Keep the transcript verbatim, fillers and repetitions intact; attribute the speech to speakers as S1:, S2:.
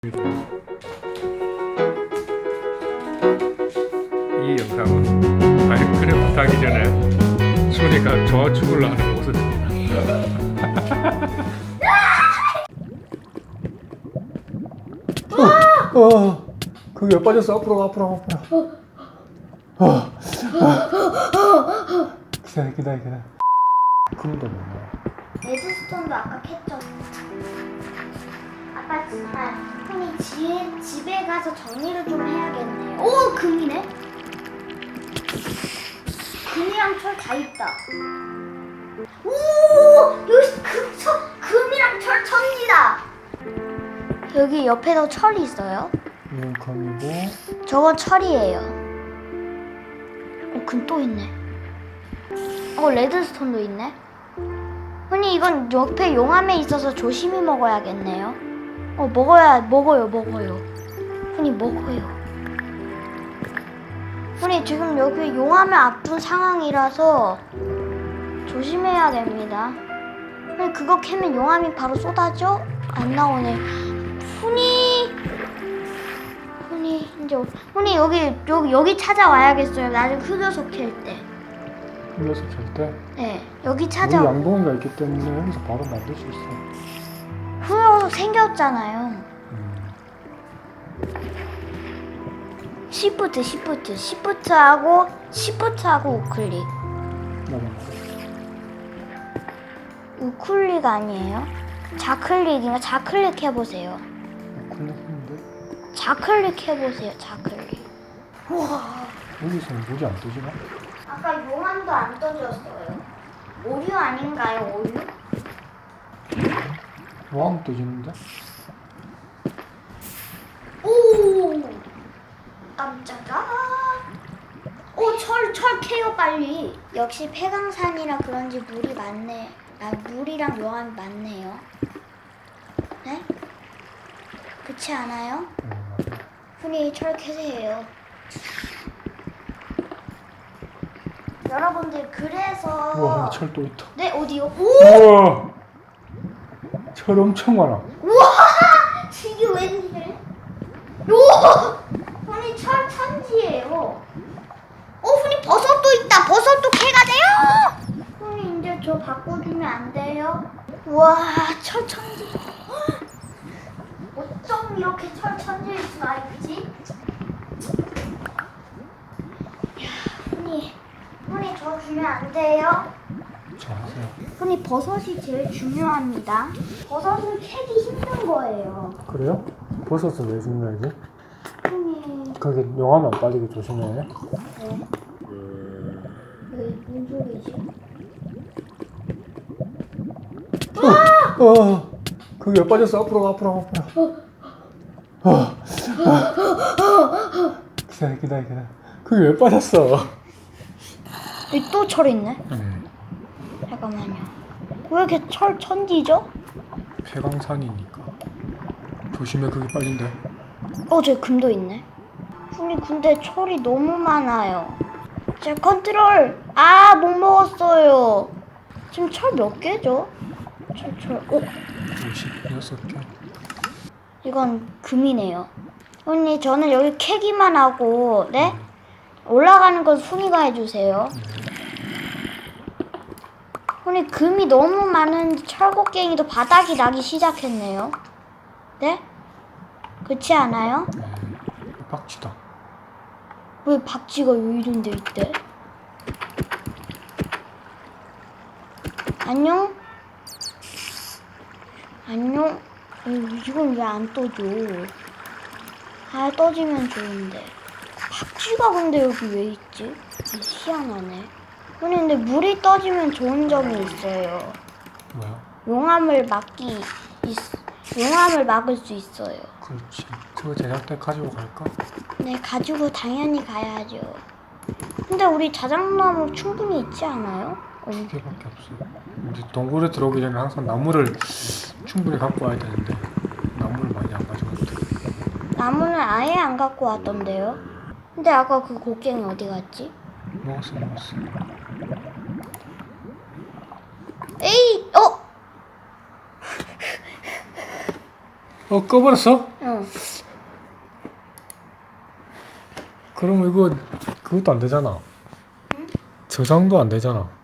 S1: 이 영상은 마인크래프트 하기 전에 순이가 저 죽으려 하는 모습입니다. 어, 어, 그게 왜 빠졌어? 앞으로 가, 앞으로 가, 앞으로 가. 어, 어. 기다려, 기다려, 기다려. 금도 뭐냐?
S2: 레드스톤도 아까 캤죠. 아까 정말 형이 집, 집에 가서 정리를 좀 해야겠네요. 오! 금이네? 금이랑 철 다 있다. 오! 여기 금, 철, 금이랑 철 천지다. 여기 옆에도 철이 있어요.
S1: 이건 금이고.
S2: 저건 철이에요. 어, 금 또 있네. 어, 레드스톤도 있네. 흔히 이건 옆에 용암에 있어서 조심히 먹어야겠네요. 어, 먹어야, 먹어요, 먹어요. 흔히 먹어요. 흔히 지금 여기 용암에 앞둔 상황이라서 조심해야 됩니다. 흔히 그거 캐면 용암이 바로 쏟아져? 안 나오네. 흔히, 흔히, 이제, 흔히 여기, 여기, 여기 찾아와야겠어요. 나중에 흑요소 캘 때.
S1: 흑요소 캘 때?
S2: 네, 여기
S1: 우리
S2: 찾아.
S1: 양동이가 있기 때문에 여기서 바로 만들 수 있어.
S2: 흑요소 생겼잖아요.
S1: 음.
S2: 시프트, 시프트, 시프트하고 시프트하고 우클릭.
S1: 나만.
S2: 우클릭 아니에요? 좌클릭인가? 좌클릭 해보세요.
S1: 클릭했는데
S2: 좌클릭 해보세요. 좌클릭. 우와.
S1: 여기서는 물이 안 뜨지나?
S2: 아까 용암도 안 떠졌어요. 오류 아닌가요? 오류?
S1: 왕 뜨지는데?
S2: 오! 깜짝아. 오, 철, 철 캐요 빨리. 역시 폐광산이라 그런지 물이 많네. 아, 물이랑 용암이 많네요. 네? 그렇지 않아요?
S1: 음, 맞아.
S2: 흔히 철 캐세요. 여러분들 그래서
S1: 우와, 철 또 있다.
S2: 네, 어디요? 오!
S1: 우와! 철 엄청 많아.
S2: 우와! 이게 웬일? 요! 흔히 철 천지예요. 어, 흔히 버섯도 있다. 버섯도 캐가 돼요. 흔히 이제 저 바꿔주면 안 돼요? 우와, 철 천지. 어쩜 이렇게 철 천지일 수가 있지? 야, 흔히 흔히 저 주면 안 돼요?
S1: 자, 하세요.
S2: 흔히 버섯이 제일 중요합니다. 버섯은 캐기 힘든 거예요.
S1: 그래요? 버섯은 왜 중요하지?
S2: 흔히
S1: 거기 용암 안 빠지게 조심해.
S2: 네. 왜 무슨 소리지?
S1: 어, 어, 그게 왜 빠졌어? 앞으로 가, 앞으로 가, 앞으로 가. 어, 어. 기다려, 기다려, 기다려. 그게 왜 빠졌어?
S2: 여기 또 철 있네.
S1: 음,
S2: 잠깐만요. 왜 이렇게 철 천지죠?
S1: 폐광산이니까. 조심해, 그게 빠진대.
S2: 어, 저기 금도 있네. 흔히 근데 철이 너무 많아요. 제 컨트롤. 아, 못 먹었어요. 지금 철 몇 개죠? 철, 철. 어,
S1: 오십육 개.
S2: 이건 금이네요. 언니, 저는 여기 캐기만 하고, 네? 올라가는 건 순이가 해주세요. 언니, 금이 너무 많은데 철곡갱이도 바닥이 나기 시작했네요. 네? 그렇지 않아요?
S1: 네, 빡치다.
S2: 왜 박쥐가 요 이런 데 있대? 안녕? 안녕? 어, 이건 왜 안 떠져? 아, 떠지면 좋은데. 박쥐가 근데 여기 왜 있지? 희한하네. 아니, 근데 물이 떠지면 좋은 점이 있어요.
S1: 뭐야?
S2: 용암을 막기, 있, 용암을 막을 수 있어요.
S1: 그렇지. 저거 제작대 가지고 갈까?
S2: 네, 가지고 당연히 가야죠. 근데 우리 자작나무 충분히 있지 않아요? 어,
S1: 두 개밖에 없어. 이제 동굴에 들어오기 전에 항상 나무를 충분히 갖고 와야 되는데 나무를 많이 안 가져갔다.
S2: 나무는 아예 안 갖고 왔던데요? 근데 아까 그 곡괭이 어디 갔지?
S1: 먹었어, 먹었어.
S2: 에이! 어!
S1: 어 꺼버렸어?
S2: 응.
S1: 그럼 이거 그것도 안 되잖아. 저장도 안 되잖아.